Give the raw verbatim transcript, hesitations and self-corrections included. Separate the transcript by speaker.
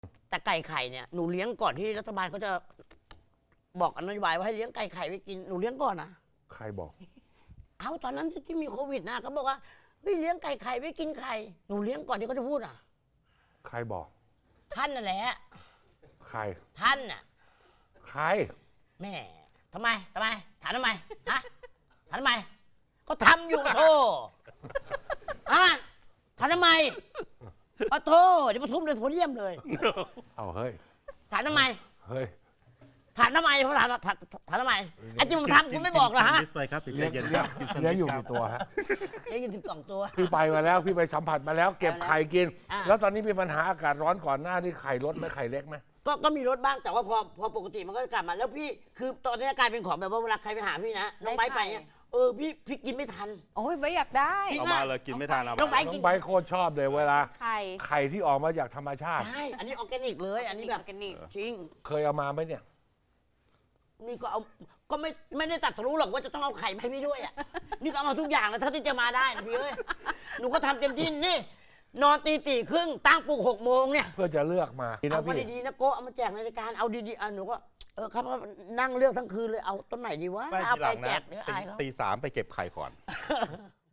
Speaker 1: แต่ไก่ไข่เนี่ยหนูเลี้ยงก่อนที่รัฐบาลเขาจะบอกนโยบายว่าให้เลี้ยงไก่ไข่ไว้กินหนูเลี้ยงก่อนนะ
Speaker 2: ใครบอก
Speaker 1: เอาตอนนั้นที่มีโควิดนะเขาบอกว่าเฮ้ยเลี้ยงไก่ไข่ไว้กินไข่หนูเลี้ยงก่อนที่เขาจะพูดอ่ะ
Speaker 2: ใครบอก
Speaker 1: ท่านนั่นแหละ
Speaker 2: ใคร
Speaker 1: ท่านน่ะ
Speaker 2: ใคร
Speaker 1: แม่ทำไมทำไมถามทำไมฮะถามทำไมก็ทำอยู่ปะโทฮะถามทำไมปะโทเดี๋ยวมาทุ่มเลยโพเดียมเลย
Speaker 2: เอาเฮ้ย
Speaker 1: ถามทำไม
Speaker 2: เฮ้ย
Speaker 1: ถามทำไมผมถามถามถามทำไมไอ้ที่ผมทำคุณไม่บอกเหรอฮะ
Speaker 3: กินไปครับใจ
Speaker 2: เลี้ยง
Speaker 3: เย็น
Speaker 2: เลี้ยง
Speaker 3: กินส
Speaker 2: เลี้ยง
Speaker 3: นิท
Speaker 2: อยู่
Speaker 3: ครั
Speaker 2: กี่
Speaker 3: บ
Speaker 2: ตัวฮะ
Speaker 1: ได้ยินสิบสองตัว
Speaker 2: พี่ไปมาแล้วพี่ไปสัมผัสมาแล้ว เก็บไข่กิน
Speaker 1: อ่า
Speaker 2: แล้วตอนนี้มีปัญหาอากาศร้อนก่อนหน้านี่ไข่ลดไหมไข่เล็กไหม
Speaker 1: ก็ก็มีรถบ้างแต่ว่าพอพอปกติมันก็กลับมาแล้วพี่คือตอนนี้กลายเป็นของแบบว่าเวลาใครไปหาพี่นะน้องไบร์ทไปเนี่ยเออพี่พี่กินไม่ทัน
Speaker 4: โอ้ยไม่อยากได้
Speaker 3: เอามาเลยกินไม่ทานเอา
Speaker 1: น้องไบ
Speaker 3: มา
Speaker 1: ร์ท
Speaker 2: น้อ
Speaker 1: กิ
Speaker 2: ง
Speaker 1: น
Speaker 2: ใบร์ทโคตรชอบเลยเวลา
Speaker 4: ไข่
Speaker 2: ไข่ที่ออกมาจากธรรมชาติ
Speaker 1: ใช่อันนี้ออร์แกนิกเลย อันนี้แบบ
Speaker 4: ออร์แกนิก
Speaker 1: จริง
Speaker 2: เคยเอามาไหมเนี่ย
Speaker 1: นี่ก็เอาก็ไม่ไม่ได้ตัดสรู้หรอกว่าจะต้องเอาไข่มาให้พี่ด้วยอ่ะนี่ก็เอามาทุกอย่างแล้วเท่าที่จะมาได้นะพี่เอ้ยหนูก็ทำเต็มที่นี่นอนตีสี่ครึ่งตั้งปลุกหกโมงเนี่ย
Speaker 2: เพื่อจะเลือกมาดี
Speaker 1: เอา
Speaker 2: นะ
Speaker 1: มา
Speaker 2: พี่
Speaker 1: ดีๆนะโกะเอามาแจกในรายการเอาดีๆอ่ะหนูก็เออครับนั่งเลือกทั้งคืนเลยเอาต้นไหนดีวะ
Speaker 3: ไม่
Speaker 1: เอา
Speaker 3: ทีห
Speaker 1: ไป
Speaker 3: ลัง
Speaker 1: แจ
Speaker 3: นะ
Speaker 1: กเดี๋ยว
Speaker 3: ตี
Speaker 1: อายเขา
Speaker 3: ตีสามไปเก็บไข่ก่อน